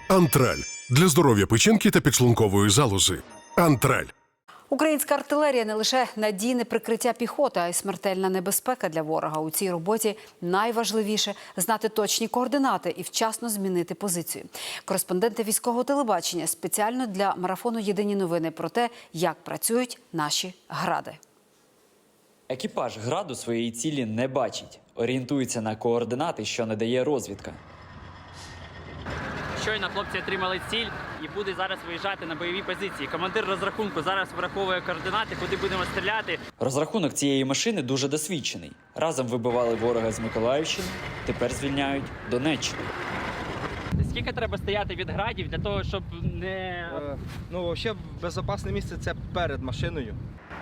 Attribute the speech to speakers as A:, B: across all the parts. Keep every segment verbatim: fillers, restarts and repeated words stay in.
A: Антраль для здоров'я печінки та підшлункової залози. Антраль.
B: Українська артилерія не лише надійне прикриття піхоти, а й смертельна небезпека для ворога. У цій роботі найважливіше – знати точні координати і вчасно змінити позицію. Кореспонденти військового телебачення спеціально для марафону «Єдині новини» про те, як працюють наші «Гради».
C: Екіпаж «Граду» своєї цілі не бачить. Орієнтується на координати, що надає розвідка.
D: Щойно хлопці отримали ціль і будуть зараз виїжджати на бойові позиції. Командир розрахунку зараз враховує координати, куди будемо стріляти.
C: Розрахунок цієї машини дуже досвідчений. Разом вибивали ворога з Миколаївщини, тепер звільняють Донеччину.
D: Скільки треба стояти від градів для того, щоб не...
E: Е, ну, взагалі, безпечне місце – це перед машиною.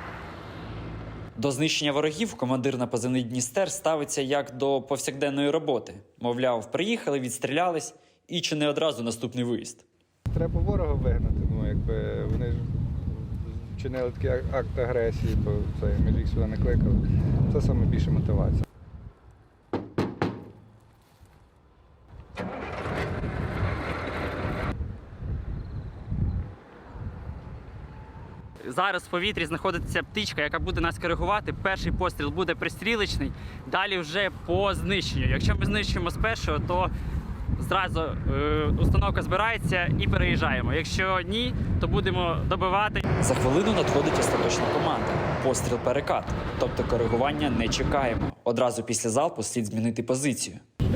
C: До знищення ворогів командир на позивний «Дністер» ставиться як до повсякденної роботи. Мовляв, приїхали, відстрілялись і чи не одразу наступний виїзд.
F: Треба ворога вигнати, ну якби вони ж вчинили такий акт агресії, то це ми ж їх сюди не кликали. Це саме більше мотивація.
D: Зараз в повітрі знаходиться птичка, яка буде нас коригувати. Перший постріл буде пристрілочний, далі вже по знищенню. Якщо ми знищуємо з першого, то зразу е, установка збирається і переїжджаємо. Якщо ні, то будемо добивати.
C: За хвилину надходить остаточна команда. Постріл перекат. Тобто коригування не чекаємо. Одразу після залпу слід змінити позицію.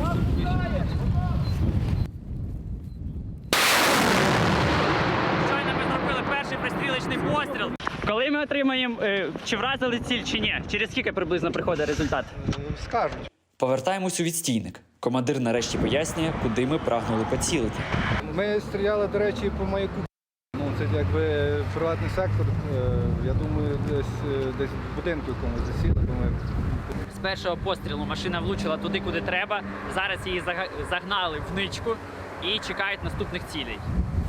D: Щойно ми зробили перший пристрілочний постріл. Коли ми отримаємо, е, чи вразили ціль, чи ні? Через скільки приблизно приходить результат?
F: Скажуть.
C: Повертаємось у відстійник. Командир нарешті пояснює, куди ми прагнули поцілити.
F: Ми стріляли, до речі, по маяку. Ну, це якби приватний сектор, я думаю, десь, десь в будинку якомусь засіли. Думаю.
D: З першого пострілу машина влучила туди, куди треба. Зараз її загнали в ничку і чекають наступних цілей.